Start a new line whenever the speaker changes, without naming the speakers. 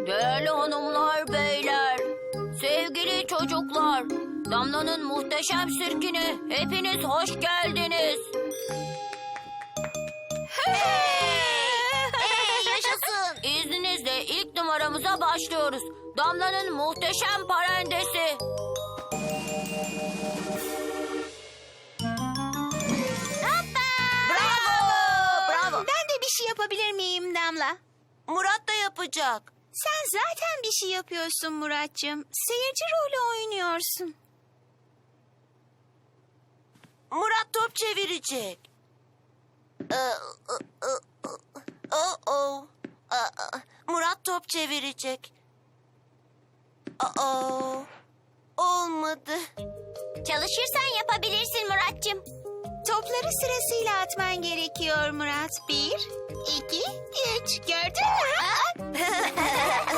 Değerli hanımlar, beyler, sevgili çocuklar, Damla'nın muhteşem sirkine hepiniz hoş geldiniz.
Yaşasın.
İzninizle ilk numaramıza başlıyoruz. Damla'nın muhteşem parendesi.
Bravo.
Ben de bir şey yapabilir miyim Damla?
Murat da yapacak.
Sen zaten bir şey yapıyorsun Muratcığım. Seyirci rolü oynuyorsun.
Murat top çevirecek. Murat top çevirecek. Olmadı.
Çalışırsan yapabilirsin Muratcığım. Topları sırasıyla atman gerekiyor Murat. 1, 2, 3. Gördün mü?